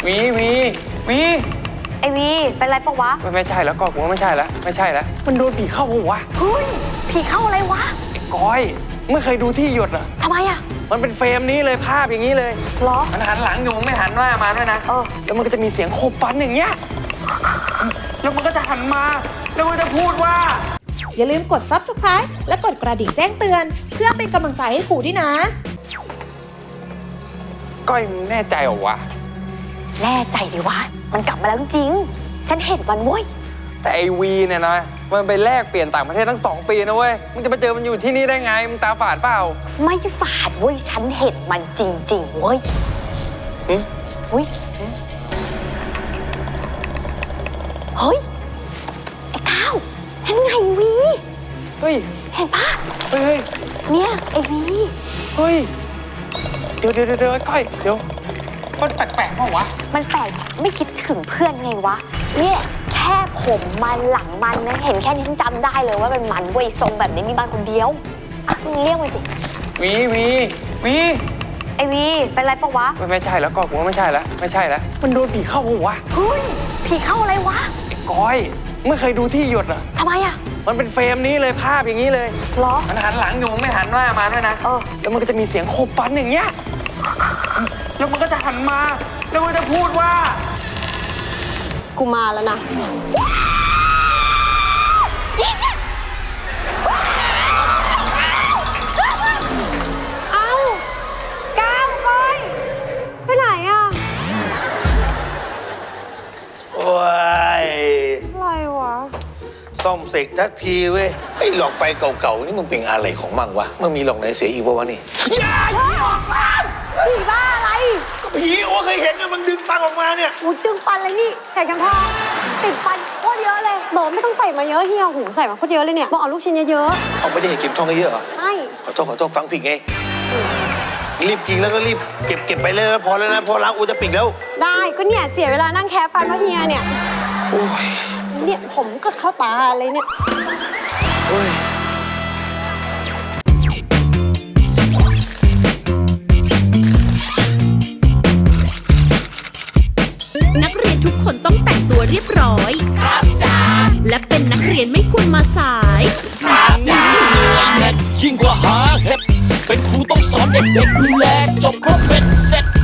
วีไอวีเป็นไรปะวะไม่ใช่แล้วก็กูว่าไม่ใช่แล้วมันโดนผีเข้าหัวเฮ้ยผีเข้าอะไรวะไอ้ก้อยไม่เคยดูที่หยดเหรอทำไมอะมันเป็นเฟรมนี้เลยภาพอย่างนี้เลยหรอมันหันหลังอยู่มึงไม่หันหน้ามาด้วยนะแล้วมันก็จะมีเสียงโคบฟันอย่างเงี้ยแล้วมันก็จะหันมาแล้วมันจะพูดว่าอย่าลืมกด Subscribe และกดกระดิ่งแจ้งเตือนเพื่อเป็นกำลังใจให้ครูด้วยนะก้อยมึงแน่ใจเหรอวะแน่ใจดิวะมันกลับมาแล้วจริงฉันเห็นมันเว้ยแต่ไอวีเนี่ยนะมันไปแลกเปลี่ยนต่างประเทศทั้ง2 ปีนะเว้ยมึงจะมาเจอมันอยู่ที่นี่ได้ไงมึงตาฝาดเปล่าไม่ฝาดเว้ยฉันเห็นมันจริงๆเว้ยเฮ้ยไอ้ก้าวเห็นไงวีเฮ้ยเห็นปะเฮ้ยเนี่ยไอ้วีเฮ้ยเดี๋ยวก้อยเดี๋ยวมันแปลกๆเปล่าวะมันแปลกไม่คิดถึงเพื่อนไงวะเนี่ยแค่ผมมันหลังมันนะเห็นแค่นี้ฉันจำได้เลยว่าเป็นมันเว้ยทรงแบบนี้มีมันคนเดียวอ่ะมึงเรียกมาสิวีไอวีเป็นไรปะวะไม่ใช่แล้วก็กูว่าไม่ใช่แล้วมันโดนผีเข้าหัวเฮ้ยผีเข้าอะไรวะไอ้ก้อยไม่เคยดูที่หยดเหรอทำไมอะมันเป็นเฟรมนี้เลยภาพอย่างนี้เลยหรอมันหันหลังอยู่มึงไม่หันหน้ามาด้วยนะแล้วมันก็จะมีเสียงโคบฟันอย่างเงี้ยแล้วมันก็จะหันมาแล้วมันจะพูดว่ากูมาแล้วนะเอ้าก้าวก้อยไปไหนอ่ะโอ้ยอะไรวะซ่อมเสกทักทีเว้ยไอ้หลอกไฟเก่าๆนี่มันเป็นอะไรของมั่งวะมันมีหลอกไหนเสียอีกวะนี่อย่าออกมาผีบ้าอะไรก็ผีโอ้เคยเห็นกันมันดึงฟันออกมาเนี่ยดึงฟันเลยนี่แขกจำทองติดฟันโคตรเยอะเลยบอกไม่ต้องใส่มาเยอะเฮียหูใส่มาโคตรเยอะเลยเนี่ยบอกเอาลูกชิ้นเยอะเอาไม่ได้เห็นเก็บทองเยอะเหรอไม่ขอโทษฟังผิดไงรีบกินแล้วก็รีบเก็บไปเลยแล้วพอแล้วนะพอล้างอูจะปิดแล้วได้ก็เนี่ยเสียเวลานั่งแคะฟันเพราะเฮียเนี่ยโอ้ยเนี่ยผมก็เข้าตาเลยเนี่ยโอ้ยนักเรียนทุกคนต้องแต่งตัวเรียบร้อยครับจ้าและเป็นนักเรียนไม่ควรมาสายครับจ้ายิ่งกว่าหาเห็ดเป็นครูต้องสอนเด็กๆดูแลจบครบเป็นเสร็จ